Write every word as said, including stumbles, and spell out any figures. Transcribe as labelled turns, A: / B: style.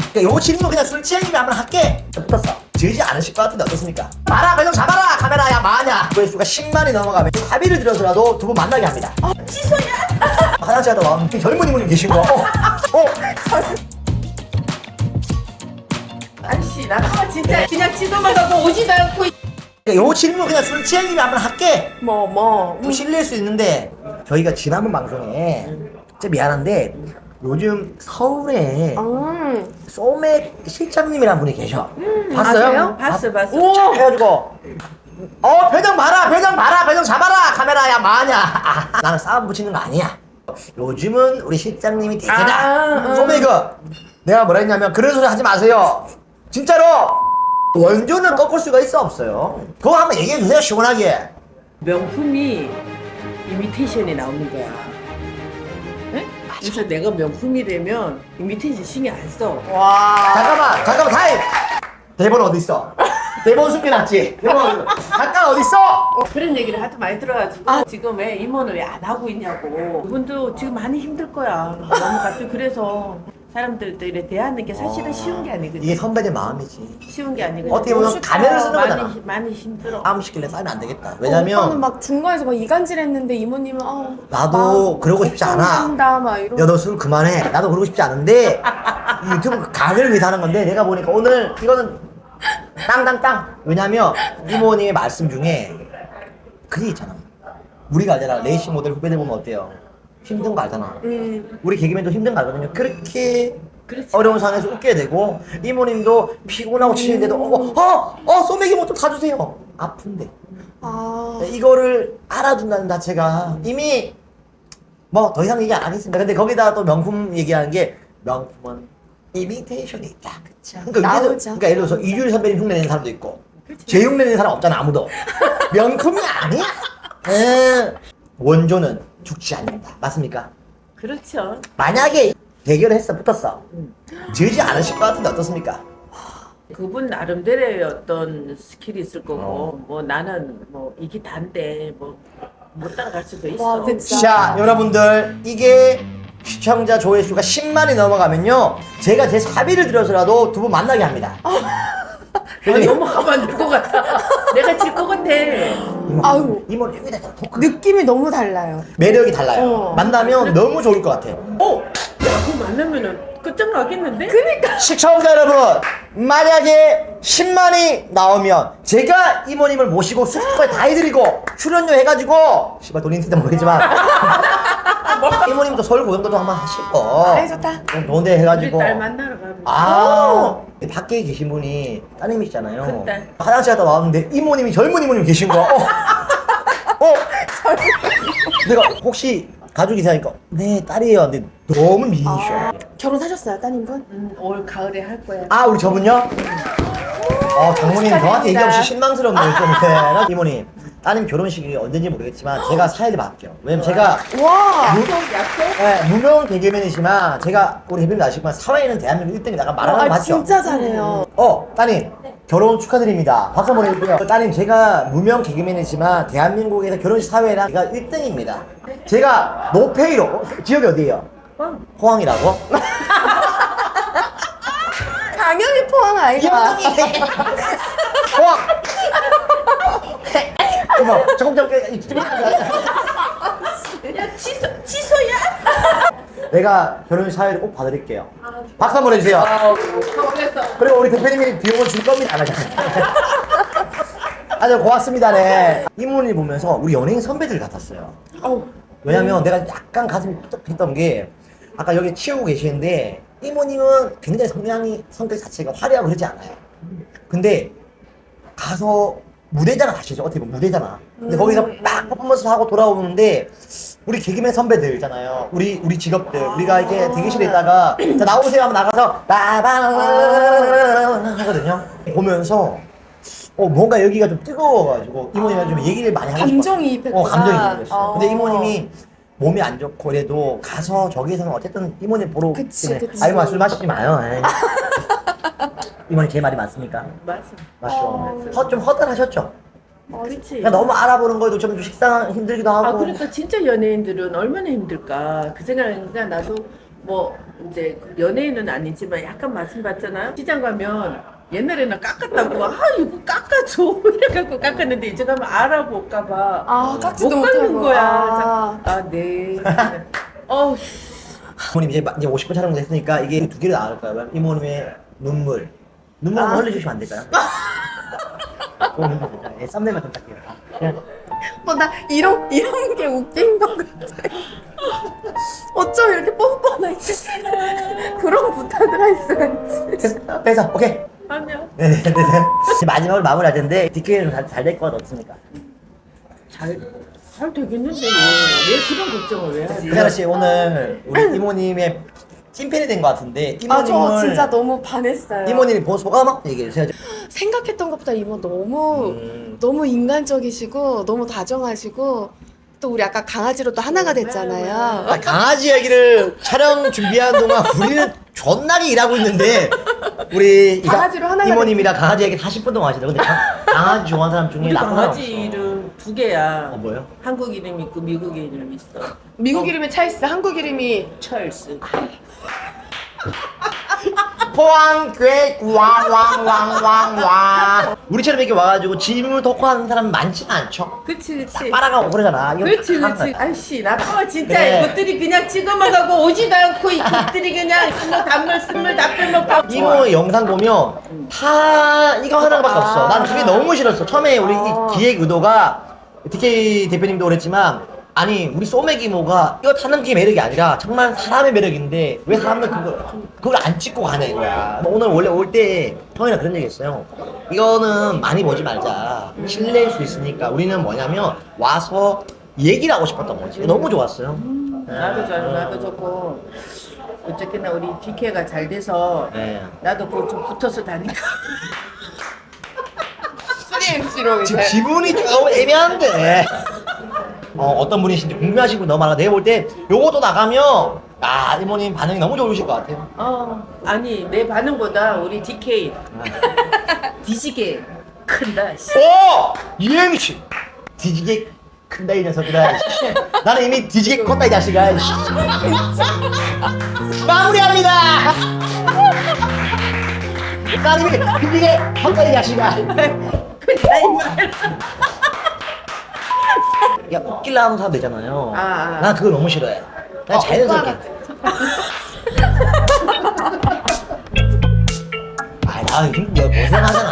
A: 그러니까 요 질문 그냥 술 취향님이 한번 할게. 붙었어. 지지 않으실 것 같은데 어떻습니까? 마라 그냥 잡아라 카메라야 마냐. 조회수가 십만이 넘어가면 합의를 들여서라도 두 분 만나게 합니다.
B: 어, 취소야?
A: 화장실 갔다 와. 젊은 이모님 계신 거. 어. 어.
B: 아저씨 나 진짜 그냥 지도만 가고 오지도 않고.
A: 그러니까 요 질문 그냥 술 취향님이 한번 할게.
B: 뭐 뭐.
A: 좀 실례일 수 있는데 저희가 지난번 방송에 진짜 미안한데 요즘 서울에
B: 음.
A: 소맥 실장님이라는 분이 계셔.
B: 아,
A: 봤어요?
B: 그래요? 봤어, 봤어.
A: 오! 쫙 해가지고 어 표정 봐라 표정 봐라 표정 잡아라 카메라야 마냐. 아, 나는 싸움 붙이는 거 아니야. 요즘은 우리 실장님이 대세다.
B: 아, 음.
A: 소맥은 내가 뭐라 했냐면 그런 소리 하지 마세요. 진짜로 원조는 꺾을 수가 있어 없어요? 그거 한번 얘기해 주세요 시원하게.
B: 명품이 이미테이션이 나오는 거야. 네? 그래서 내가 명품이라면 이미테이션 신경 안 써.
C: 와.
A: 잠깐만 잠깐만 타임. 대본 어디 있어? 대본 숨겨놨지? 대본 잠깐 어디 있어?
B: 어, 그런 얘기를 하도 많이 들어가지고
C: 아.
B: 지금 왜 임원을 왜 안 하고 있냐고. 그분도 지금 많이 힘들 거야. 너무 갑자기 그래서 사람들도 이래 대하는 게 사실은 쉬운 게 아니거든.
A: 이게 선배들 마음이지.
B: 쉬운 게 아니거든.
A: 어떻게 보면
B: 쉽다.
A: 가면을 쓰는 거잖아.
B: 많이, 많이 힘들어.
A: 싸움 시킬래 싸우면 안 되겠다.
C: 오빠는
A: 왜냐면
C: 막 중간에서 막 이간질했는데 이모님은 아
A: 나도 그러고 싶지 않아.
C: 한다 막 이런.
A: 야 너 술 그만해. 나도 그러고 싶지 않은데 이 유튜브 각을 위해서 하는 건데 내가 보니까 오늘 이거는 땅땅땅. 왜냐면 이모님의 말씀 중에 그게 있잖아. 우리가 알잖아. 레이싱 모델 후배들 보면 어때요? 힘든 거 알잖아.
C: 음.
A: 우리 개그맨도 힘든 거 알거든요. 그렇게
B: 그렇지.
A: 어려운 상황에서 웃게 되고 이모님도 피곤하고 치는데도 어, 어, 어, 소맥이 뭐 좀 사주세요. 아픈데
C: 아.
A: 이거를 알아준다는 자체가 이미 뭐 더 이상 얘기 안 하겠습니다. 근데 거기다 또 명품 얘기하는 게 명품은 이미테이션이 있다.
C: 그쵸.
A: 그러니까,
C: 나오죠.
A: 여기서, 그러니까 예를 들어서 이주일 선배님 흉내 내는 사람도 있고
B: 그렇지.
A: 제 흉내 내는 사람 없잖아 아무도. 명품이 아니야. 에. 원조는 죽지 않는다. 맞습니까?
B: 그렇죠.
A: 만약에 대결을 했어 붙었어 지지 않으실 것 같은데 어떻습니까?
B: 그분 나름대로의 어떤 스킬이 있을 거고
A: 어.
B: 뭐 나는 뭐 이게 단데 뭐 못 따라갈 수도 있어.
C: 와, 그치.
A: 자 여러분들 이게 시청자 조회수가 십만이 넘어가면요 제가 제 사비를 들여서라도 두 분 만나게 합니다.
B: 아니, 너무 하면 안 될 것 같아. 내가 질 것 같아.
A: 이모,
C: 아유.
A: 이모 여기다 토크
C: 느낌이 너무 달라요.
A: 매력이 달라요.
C: 어.
A: 만나면 너무 좋을 것 같아요.
B: 어? 야, 그거 만나면은 끝장나겠는데?
C: 그니까.
A: 시청자 여러분 만약에 십만이 나오면 제가 이모님을 모시고 숙소까지 다 해드리고 출연료 해가지고 씨발 돈 있는지 모르겠지만 이모님도 서울 고정도 한번 하시고
C: 아이 좋다.
A: 좀 좋은데
B: 우리
A: 해가지고
B: 딸 만나러 가면.
A: 아 밖에 계신 분이 따님이시잖아요.
B: 큰딸.
A: 화장실 갔다 나왔는데 이모님이 젊은 이모님 계신 거. 어, 어. 내가 혹시 가족이 있으니까 네 딸이에요. 근데 너무 미인이셔.
C: 아, 결혼하셨어요, 따님분?
B: 음, 올 가을에 할 거야.
A: 아 우리 저분요? 어 장모님 저한테 얘기 없이 실망스럽네요 좀. 네. 이모님 따님 결혼식이 언제인지 모르겠지만 제가 사회를 맡겨. 왜냐면 제가
C: 와.
A: 무,
B: 약속? 약속?
A: 네, 무명 개그맨이지만 제가 우리 대표님 아시지만 사회에는 대한민국 일 등이 나가 말하는 거
C: 아,
A: 맞죠?
C: 진짜 잘해요.
A: 어 따님 결혼 축하드립니다. 박수 한번 해주세요. 따님 제가 무명 개그맨이지만 대한민국에서 결혼식 사회랑 제가 일 등입니다. 제가 노페이로 어, 지역이 어디예요?
B: 어.
A: 포항이라고?
C: 강영이 포항 아이가.
A: 포항. 어머 조금 전
B: 야, 취소, 취소야?
A: 내가 결혼식 사회를 꼭 봐드릴게요. 박수 한번 해주세요.
B: 아우, 서울에서.
A: 그리고 우리 대표님이 비용을 줄 겁니다. 안 하잖아요. 아주 고맙습니다. 네. 이모님 보면서 우리 연예인 선배들 같았어요.
C: 어우.
A: 왜냐면 내가 약간 가슴이 삐딱했던 게 아까 여기 치우고 계시는데 이모님은 굉장히 성향이 성격 자체가 화려하고 그러지 않아요. 근데 가서 무대잖아 사실 어떻게 보면 무대잖아. 근데
C: 음.
A: 거기서 막 퍼포먼스 하고 돌아오는데 우리 개그맨 선배들 있잖아요. 우리 우리 직업들 우리가 이렇게 대기실에 있다가 자 나오세요 하면 나가서 빠방 하거든요. 보면서 어 뭔가 여기가 좀 뜨거워가지고 이모님이랑 좀 얘기를 많이 하고
C: 감정이입했구나.
A: 어 감정이입했어.
C: 어.
A: 근데 이모님이 몸이 안 좋고 그래도 가서 저기에서는 어쨌든 이모님 보러
C: 그치,
A: 때문에
C: 그치.
A: 아이고 술 마시지 마요. 에이. 이모님 제 말이 맞습니까?
B: 맞아.
A: 맞죠.
C: 어.
A: 허, 좀 허탈하셨죠?
B: 그렇지.
A: 그러니까 너무 알아보는 거에도 좀 식상 힘들기도 하고.
B: 아, 그러니까 진짜 연예인들은 얼마나 힘들까. 그 생각하니까 나도 뭐 이제 연예인은 아니지만 약간 말씀 받잖아요. 시장 가면 옛날에는 깎았다고 아 이거 깎아줘 이래갖고 깎았는데 이제 가면 알아볼까봐
C: 아, 깎지도
B: 못 깎는
C: 못하고.
B: 거야.
C: 아.
B: 아 네. 어우.
A: 이모님 이제 마- 이제 오십 분 촬영 됐으니까 이게 두 개로 나올까요? 이모님의 눈물. 눈물 한번
C: 아.
A: 흘려주시면 안 될까요? 그럼 예, 썸네일만 좀 딱게요. 그냥
C: 어, 나 이런, 이런 게 웃긴 것 같아. 어쩜 이렇게 뻔뻔하게 그런 부탁을 할 수가 있지.
A: 됐어, 됐어, 오케이.
B: 아니야.
A: 네네, 네, 네. 이제 마지막으로 마무리할 텐데 디케이는 잘될 것 없습니까?
B: 잘, 잘 되겠는데 왜, 왜 그런 걱정을 왜 하지?
A: 세라 씨 오늘 우리 이모님의 찐팬이 된 것 같은데
C: 아, 저
A: 이모님을
C: 진짜 너무 반했어요.
A: 이모님 본 소감 한번 얘기해 주세요.
C: 생각했던 것보다 이모 너무
A: 음.
C: 너무 인간적이시고 너무 다정하시고 또 우리 아까 강아지로 또 하나가 됐잖아요.
A: 아, 강아지 얘기를 촬영 준비하는 동안 우리는 존나게 일하고 있는데 우리 이
C: 강아지로 하나가
A: 이모님이랑 강아지 얘기 사십 분 동안 하시더라고요. 근데 강, 강아지 좋아하는 사람 중에
B: 우리
A: 나쁜 사람
B: 강아지
A: 없어.
B: 이름 두 개야.
A: 어 뭐요?
B: 한국 이름 있고 미국 이름 있어.
C: 미국 이름이 찰스, 한국 이름이
B: 찰스.
A: 포항 괴 왕왕왕왕왕 우리처럼 이렇게 와가지고 질문 토크하는 사람 많지는 않죠.
B: 그치 그치.
A: 빨아가고 그러잖아. 이거
B: 그렇지
A: 다 하는
B: 그렇지.
A: 거야.
B: 아이씨 나빠 진짜
A: 네.
B: 이것들이 그냥 찍어만 가고 오지도 않고 이것들이 그냥 뭐 단물 쓴물 다 빼먹고.
A: 이모 영상 보면 다 이거 하나밖에 없어. 난 그게 너무 싫었어. 처음에 우리 이 기획 의도가 디케이 대표님도 그랬지만 아니 우리 소맥 이모가 이거 타는 게 매력이 아니라 정말 사람의 매력인데 왜 사람들 그걸 그걸 안 찍고 가냐 이거야. 오늘 원래 올 때 형이랑 그런 얘기 했어요. 이거는 많이 보지 말자. 실례일 수 있으니까 우리는 뭐냐면 와서 얘기를 하고 싶었던 거지. 너무 좋았어요.
B: 나도 좋아 나도 좋고 어쨌거나 우리 디케이가 잘 돼서
A: 네.
B: 나도 그거 좀 붙어서 다니까.
C: 수리 엠씨로
A: 지금
C: 이제
A: 지분이 좀 애매한데. 어, 어떤 분이신지 궁금하신 분 너무 많아. 내가 볼 때 요것도 나가면 아 이모님 반응이 너무 좋으실 것 같아요.
B: 어 아니 내 반응보다 우리 디케이 뒤지게 큰다. 씨.
A: 오! 이행시 뒤지게 큰다 이 녀석이라. 씨. 나는 이미 뒤지게 컸다 이 자식아. 씨. 마무리합니다. 나는 이미 뒤지게 컸다 이 자식아.
B: 큰다 이 말.
A: 야 웃길라 하는 사람 되잖아요.
B: 아, 아.
A: 난 그거 너무 싫어해. 난
C: 어,
A: 자연스럽게. 아, 나 힘들어 고생하잖아.